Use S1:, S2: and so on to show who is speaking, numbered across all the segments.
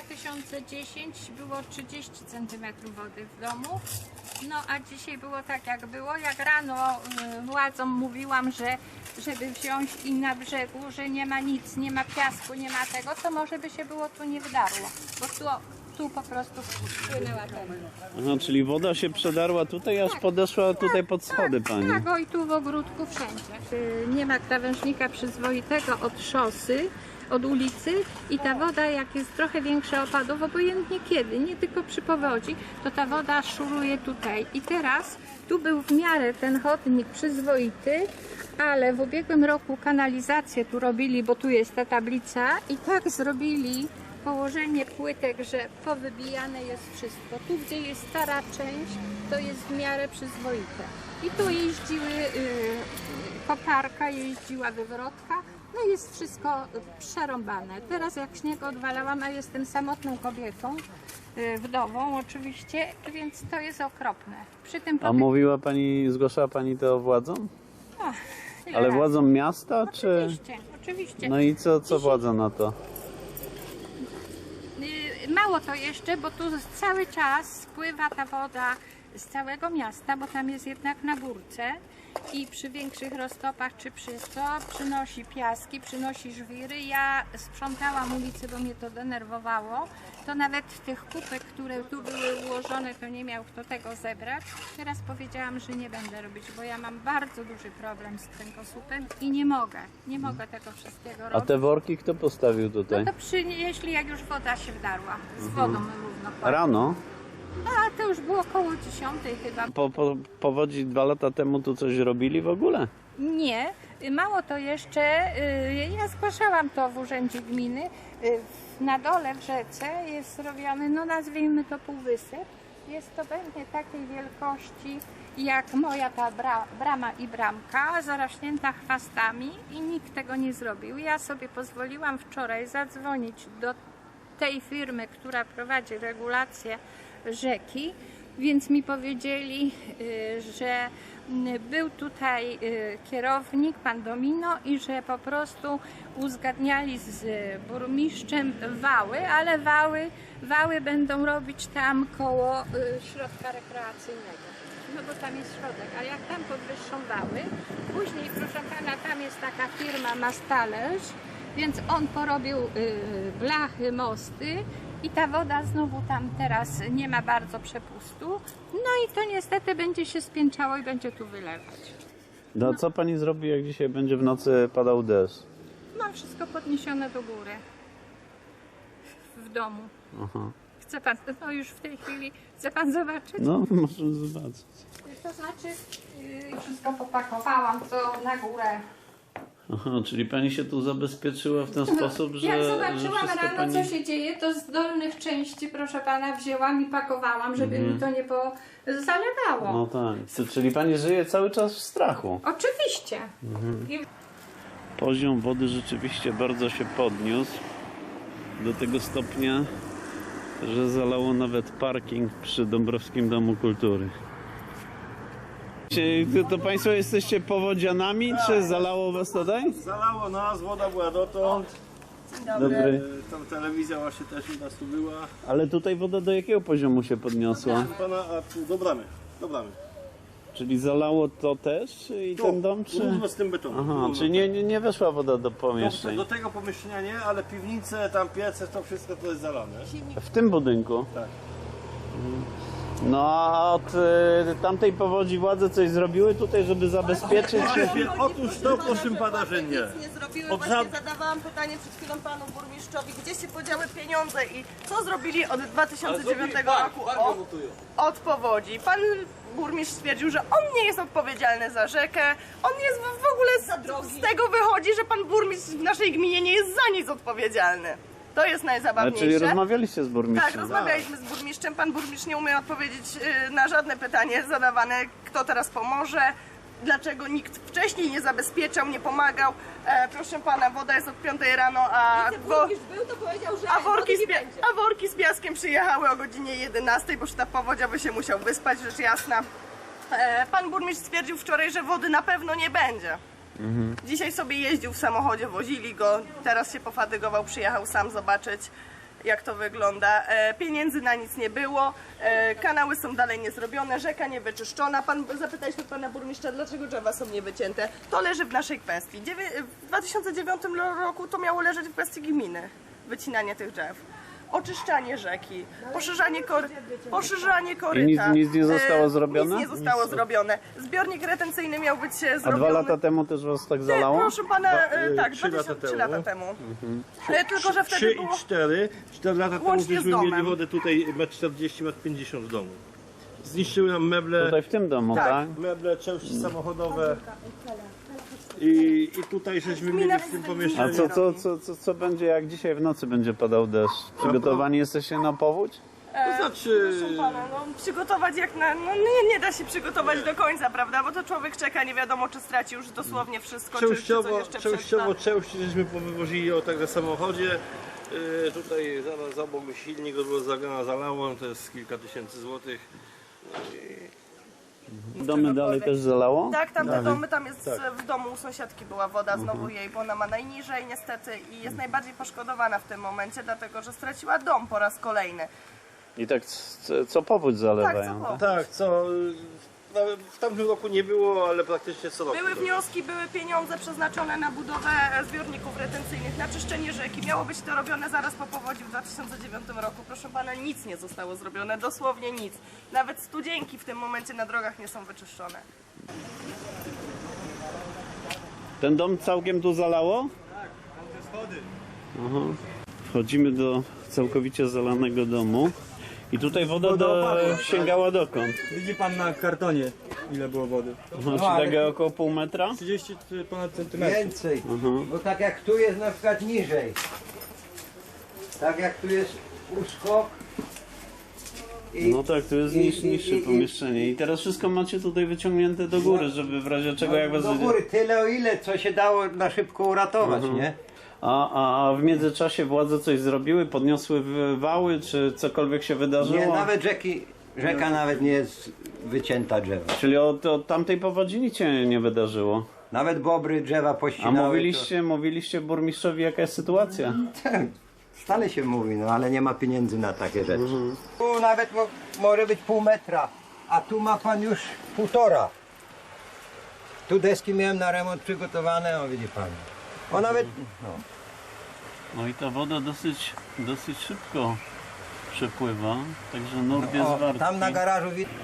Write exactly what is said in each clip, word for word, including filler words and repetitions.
S1: tysiące dziesiątym było trzydzieści centymetrów wody w domu. No a dzisiaj było tak jak było. Jak rano y, władzom mówiłam, że żeby wziąć i na brzegu, że nie ma nic, nie ma piasku, nie ma tego, to może by się było tu nie wdarło. Bo tu, tu po prostu wpłynęła ten.
S2: Aha, czyli woda się przedarła tutaj, aż
S1: Tak,
S2: podeszła tutaj
S1: tak,
S2: pod schody
S1: tak,
S2: pani.
S1: Tak, o i tu w ogródku wszędzie. Y, Nie ma krawężnika przyzwoitego od szosy, od ulicy i ta woda, jak jest trochę większe opadów, obojętnie kiedy, nie tylko przy powodzi, to ta woda szuruje tutaj. I teraz tu był w miarę ten chodnik przyzwoity, ale w ubiegłym roku kanalizację tu robili, bo tu jest ta tablica i tak zrobili położenie płytek, że powybijane jest wszystko. Tu, gdzie jest stara część, to jest w miarę przyzwoite. I tu jeździły, yy, koparka jeździła wywrotka, no jest wszystko przerąbane. Teraz jak śnieg odwalałam, a jestem samotną kobietą, yy, wdową oczywiście, więc to jest okropne. Przy tym
S2: A mówiła pani, zgłaszała pani to władzom?
S1: O, ile
S2: Ale
S1: razy?
S2: władzom miasta, czy...
S1: Oczywiście, oczywiście.
S2: No i co, co władza na to?
S1: Yy, Mało to jeszcze, bo tu cały czas spływa ta woda z całego miasta, bo tam jest jednak na górce i przy większych roztopach czy przy co przynosi piaski, przynosi żwiry. Ja sprzątałam ulicę, bo mnie to denerwowało. To nawet tych kupek, które tu były ułożone, to nie miał kto tego zebrać. Teraz powiedziałam, że nie będę robić, bo ja mam bardzo duży problem z kręgosłupem i nie mogę, nie mogę tego wszystkiego
S2: A
S1: robić.
S2: te worki kto postawił tutaj?
S1: No to przynieśli, jak już woda się wdarła, z wodą równo.
S2: Rano?
S1: A to już było około dziesiątej chyba.
S2: Po, po powodzi dwa lata temu tu coś robili w ogóle?
S1: Nie, mało to jeszcze, y, ja zgłaszałam to w urzędzie gminy, y, na dole w rzece jest zrobiony, no nazwijmy to półwysyp. Jest to będzie takiej wielkości jak moja ta bra, brama i bramka, zarośnięta chwastami i nikt tego nie zrobił. Ja sobie pozwoliłam wczoraj zadzwonić do tej firmy, która prowadzi regulację rzeki, więc mi powiedzieli, że był tutaj kierownik, pan Domino, i że po prostu uzgadniali z burmistrzem wały, ale wały, wały będą robić tam koło środka rekreacyjnego. No bo tam jest środek, a jak tam podwyższą wały, później, proszę pana, tam jest taka firma Mastalerz, więc on porobił y, blachy, mosty i ta woda znowu tam teraz nie ma bardzo przepustu. No i to niestety będzie się spięczało i będzie tu wylewać.
S2: No, no co pani zrobi, jak dzisiaj będzie w nocy padał deszcz?
S1: Mam wszystko podniesione do góry w domu.
S2: Aha.
S1: Chce pan, no już w tej chwili, chce pan zobaczyć?
S2: No, możemy zobaczyć.
S1: To znaczy, yy, wszystko popakowałam, to na górę.
S2: Aha, czyli pani się tu zabezpieczyła w ten sposób, że,
S1: Jak
S2: że
S1: zobaczyłam
S2: wszystko
S1: rano,
S2: pani...
S1: co się dzieje, to z dolnych części, proszę pana, wzięłam i pakowałam, żeby
S2: Mhm.
S1: mi to nie po... zalewało.
S2: No tak, to, czyli pani żyje cały czas w strachu.
S1: Oczywiście.
S2: Mhm.
S1: I...
S2: Poziom wody rzeczywiście bardzo się podniósł do tego stopnia, że zalało nawet parking przy Dąbrowskim Domu Kultury. Czy to, to państwo jesteście powodzianami, tak, czy zalało was tutaj?
S3: Zalało nas, woda była dotąd.
S2: Dobry.
S3: E, tam telewizja właśnie też u nas tu była.
S2: Ale tutaj woda do jakiego poziomu się podniosła?
S3: Proszę pana, a tu do bramy, do bramy.
S2: Czyli zalało to też i
S3: Tu,
S2: ten dom, czy?
S3: równo z tym betonem.
S2: Aha,
S3: równo.
S2: czyli nie, nie, nie weszła woda do
S3: do,
S2: pomieszczeń.
S3: do tego pomieszczenia nie, ale piwnice, tam piece, to wszystko to jest zalane.
S2: W tym budynku?
S3: Tak.
S2: No a od y, tamtej powodzi władze coś zrobiły tutaj, żeby zabezpieczyć się?
S3: Właśnie, otóż to, proszę pana, że nie.
S4: Nic nie zrobiły.
S3: Od
S4: Właśnie
S3: żad-
S4: zadawałam pytanie przed chwilą panu burmistrzowi, gdzie się podziały pieniądze i co zrobili od dwa tysiące dziewiątego roku od, od powodzi. Pan burmistrz stwierdził, że on nie jest odpowiedzialny za rzekę, on jest w, w ogóle z, z tego wychodzi, że pan burmistrz w naszej gminie nie jest za nic odpowiedzialny. To jest
S2: Ale
S4: najzabawniejsze.
S2: czyli rozmawialiście z
S4: Tak,
S2: burmistrzem?
S4: rozmawialiśmy z burmistrzem. Pan burmistrz nie umie odpowiedzieć y, na żadne pytanie zadawane, kto teraz pomoże, dlaczego nikt wcześniej nie zabezpieczał, nie pomagał. E, proszę pana, woda jest od piątej rano, a, wo,
S5: był, to powiedział, że
S4: a, worki z,
S5: nie
S4: pia-
S5: będzie.
S4: a worki z piaskiem przyjechały o godzinie jedenastej, bo sztab powodzia by się musiał wyspać, rzecz jasna. E, pan burmistrz stwierdził wczoraj, że wody na pewno nie będzie. Dzisiaj sobie jeździł w samochodzie, wozili go, teraz się pofatygował, przyjechał sam zobaczyć. jak to wygląda. E, pieniędzy na nic nie było, e, kanały są dalej niezrobione, rzeka niewyczyszczona. Pan, zapytaliśmy pana burmistrza, dlaczego drzewa są niewycięte. To leży w naszej kwestii. Dziewię, w dwa tysiące dziewiątym roku to miało leżeć w kwestii gminy, wycinanie tych drzew. Oczyszczanie rzeki, poszerzanie, kory, poszerzanie koryta.
S2: I nic- nic nie zostało
S4: E,
S2: zrobione?
S4: Nic nie zostało zrobione. Zbiornik retencyjny miał być e,
S2: A
S4: zrobiony.
S2: dwa lata temu też was tak
S4: Nie,
S2: zalało?
S4: proszę pana, e,
S3: Dwa-
S4: tak,
S3: trzy lata
S4: dwa tysiące trzy
S3: temu.
S4: lata temu. E, Tylko, że
S3: trzy
S4: wtedy było...
S3: i cztery. cztery lata temu
S4: Łącznie z
S3: żeśmy
S4: domem.
S3: mieli wodę tutaj metr czterdzieści, metr pięćdziesiąt w domu. Zniszczyły nam meble,
S2: Tutaj w tym domu, tak?
S4: Tak.
S3: meble, części samochodowe. I, I tutaj żeśmy mieli w tym
S2: A
S3: pomieszczeniu.
S2: co, co, co, co, co będzie, jak dzisiaj w nocy będzie padał deszcz? Przygotowani jesteście na powódź?
S3: To znaczy,
S4: Proszę pana, no, przygotować jak na... No nie, nie da się przygotować do końca, prawda? Bo to człowiek czeka, nie wiadomo czy straci już dosłownie wszystko, czy, czy coś
S3: częściowo,
S4: jeszcze
S3: częściowo
S4: przetrwa.
S3: części żeśmy powywozili o tak na samochodzie. Yy, tutaj zaraz za obok silnik było zagana zalało, to jest kilka tysięcy złotych.
S2: Domy dalej też zalało?
S4: Tak, tam te domy, tam jest w domu u sąsiadki była woda znowu jej, bo ona ma najniżej niestety i jest najbardziej poszkodowana w tym momencie, dlatego że straciła dom po raz kolejny.
S2: I tak co, co powódź
S4: Tak,
S2: zalewają?
S4: co
S2: tak?
S3: Tak, co nawet w tamtym roku nie było, ale praktycznie co roku.
S4: Były wnioski, były pieniądze przeznaczone na budowę zbiorników retencyjnych, na czyszczenie rzeki. Miało być to robione zaraz po powodzi w dwa tysiące dziewiątym roku. Proszę pana, nic nie zostało zrobione, dosłownie nic. Nawet studzienki w tym momencie na drogach nie są wyczyszczone.
S2: Ten dom całkiem tu zalało? Tak, tam te schody. Aha. Wchodzimy do całkowicie zalanego domu. I tutaj woda do, sięgała dokąd?
S5: Widzi pan na kartonie, ile było wody?
S2: Aha, czy takie około pół metra?
S5: trzydzieści ponad centymetrów.
S6: Więcej, bo tak jak tu jest na przykład niżej, tak jak tu jest uskok i,
S2: No tak, tu jest
S6: i-
S2: niż,
S6: i-
S2: niższe
S6: i- i-
S2: pomieszczenie. I teraz wszystko macie tutaj wyciągnięte do góry, żeby w razie czego jak was...
S6: do góry tyle o ile, co się dało na szybko uratować, nie?
S2: A, a, a w międzyczasie władze coś zrobiły? Podniosły w- wały, czy cokolwiek się wydarzyło?
S6: Nie, nawet rzeki, rzeka nawet nie jest wycięta drzewa.
S2: Czyli od, od tamtej powodzi nic się nie wydarzyło.
S6: Nawet bobry drzewa
S2: A
S6: pościnały.
S2: mówiliście, mówiliście burmistrzowi jaka jest sytuacja?
S6: To, tak, stale się mówi, no ale nie ma pieniędzy na takie rzeczy. Tu nawet mo, może być pół metra, a tu ma pan już półtora. Tu deski miałem na remont przygotowane, o widzi pan. O nawet, no.
S2: No i ta woda dosyć, dosyć szybko przepływa, także nurt jest
S6: O,
S2: wartki.
S6: tam na garażu widać.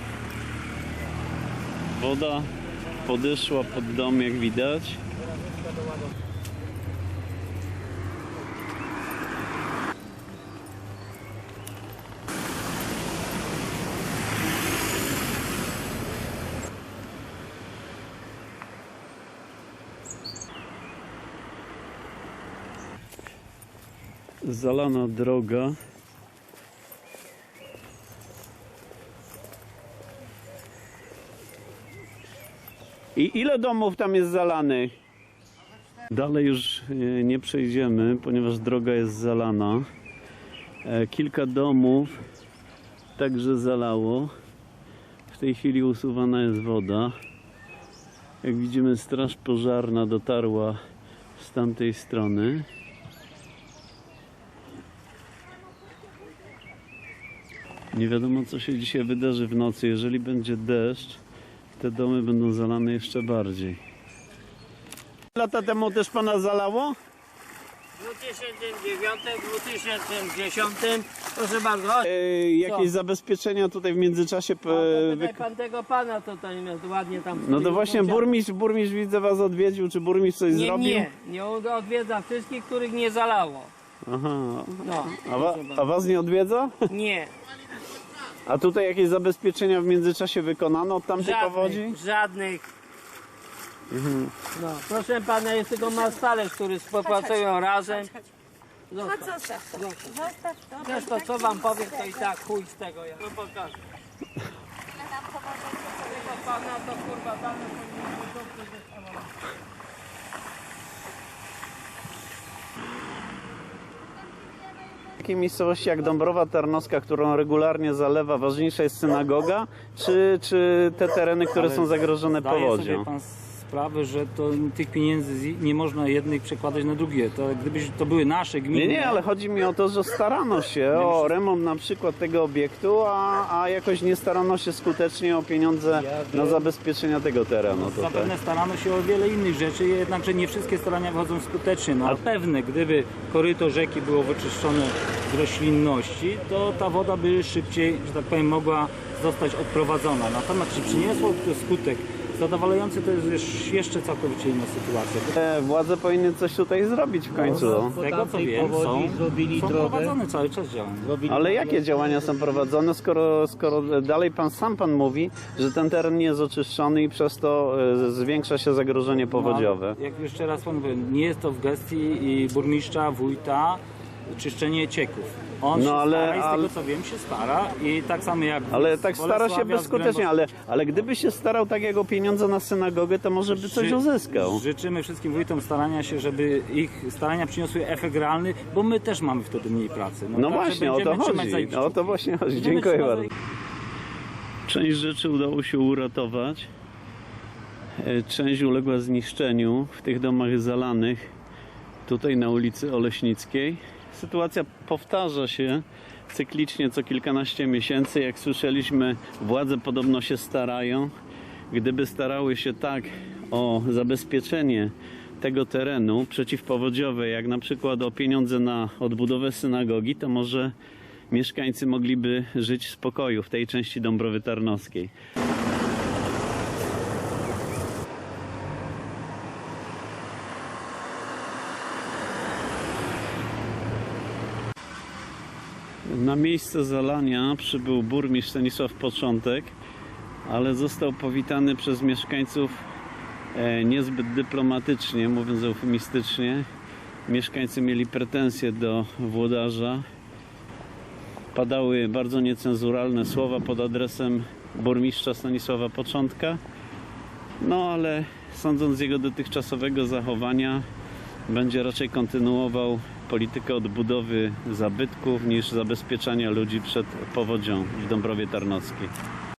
S2: Woda podeszła pod dom, jak widać. Zalana droga. I ile domów tam jest zalanych? Dalej już e, nie przejdziemy, ponieważ droga jest zalana. E, Kilka domów także zalało. W tej chwili usuwana jest woda. Jak widzimy, straż pożarna dotarła z tamtej strony. Nie wiadomo, co się dzisiaj wydarzy w nocy. Jeżeli będzie deszcz, te domy będą zalane jeszcze bardziej. Lata temu też pana zalało?
S7: W dwa tysiące dziewiątym, dwa tysiące dziesiątym, proszę bardzo, chodź.
S2: E, jakieś zabezpieczenia tutaj w międzyczasie.
S7: A,
S2: E,
S7: to
S2: wy...
S7: tutaj pan tego pana tutaj ładnie tam...
S2: No to właśnie burmistrz, burmistrz widzę was odwiedził. Czy burmistrz coś
S7: Nie,
S2: zrobił?
S7: nie, nie odwiedza wszystkich, których nie zalało.
S2: Aha.
S7: No,
S2: A, wa, a was nie odwiedza?
S7: nie,
S2: A tutaj jakieś zabezpieczenia w międzyczasie wykonano od tamtej powodzi?
S7: żadnych, żadnych. No, proszę pana, jest tylko mastalerz, który współpracują razem. Zostaw, zostaw, zostaw. Zresztą co wam powiem, to i tak chuj z tego ja. No pokażę. Tego pana to kurwa pana to nie
S2: W takiej miejscowości jak Dąbrowa Tarnowska, którą regularnie zalewa, ważniejsza jest synagoga, czy, czy te tereny, które są zagrożone
S8: Zdaje
S2: powodzią?
S8: sobie pan sprawę, że to, tych pieniędzy z- nie można jednych przekładać na drugie. To gdyby to były nasze gminy...
S2: Nie, nie, ale chodzi mi o to, że starano się o remont na przykład tego obiektu, a, a jakoś nie starano się skutecznie o pieniądze na zabezpieczenia tego terenu tutaj.
S8: Zapewne starano się o wiele innych rzeczy, jednakże nie wszystkie starania wychodzą skutecznie. No, ale pewne, gdyby koryto rzeki było wyczyszczone z roślinności, to ta woda by szybciej, że tak powiem, mogła zostać odprowadzona. Natomiast czy przyniosło to skutek zadowalający, to jest już jeszcze całkowicie inna sytuacja.
S2: E, Władze powinny coś tutaj zrobić w końcu.
S8: Z tego co wiem, są, są prowadzone cały czas działania.
S2: Ale jakie działania są prowadzone, skoro, skoro dalej pan sam pan mówi, że ten teren nie jest oczyszczony i przez to e, zwiększa się zagrożenie powodziowe?
S8: No, jak jeszcze raz pan mówię, nie jest to w gestii i burmistrza, wójta czyszczenie cieków. On
S2: No,
S8: się
S2: ale-
S8: stara i z
S2: ale-
S8: tego co wiem się stara i tak samo jak
S2: Ale
S8: z
S2: tak stara się
S8: Bolesławia, z
S2: bezskutecznie,
S8: Grębos-
S2: ale, ale gdyby się starał tak jak o pieniądze na synagogę, to może by coś
S8: Ży-
S2: uzyskał.
S8: Życzymy wszystkim wójtom starania się, żeby ich starania przyniosły efekt realny, bo my też mamy wtedy mniej pracy.
S2: No
S8: także
S2: właśnie, o to
S8: będziemy trzymać za
S2: chodzi.
S8: ich
S2: O to
S8: kciuki.
S2: właśnie chodzi.
S8: Będziemy
S2: Dziękuję
S8: trzymać za
S2: bardzo. Część rzeczy udało się uratować. E, Część uległa zniszczeniu w tych domach zalanych tutaj na ulicy Oleśnickiej. Sytuacja powtarza się cyklicznie co kilkanaście miesięcy. Jak słyszeliśmy, władze podobno się starają. Gdyby starały się tak o zabezpieczenie tego terenu przeciwpowodziowe, jak na przykład o pieniądze na odbudowę synagogi, to może mieszkańcy mogliby żyć w spokoju w tej części Dąbrowy Tarnowskiej. Na miejsce zalania przybył burmistrz Stanisław Początek, ale został powitany przez mieszkańców e, niezbyt dyplomatycznie, mówiąc eufemistycznie. Mieszkańcy mieli pretensje do włodarza. Padały bardzo niecenzuralne słowa pod adresem burmistrza Stanisława Początka. No ale sądząc z jego dotychczasowego zachowania, będzie raczej kontynuował politykę odbudowy zabytków niż zabezpieczania ludzi przed powodzią w Dąbrowie Tarnowskiej.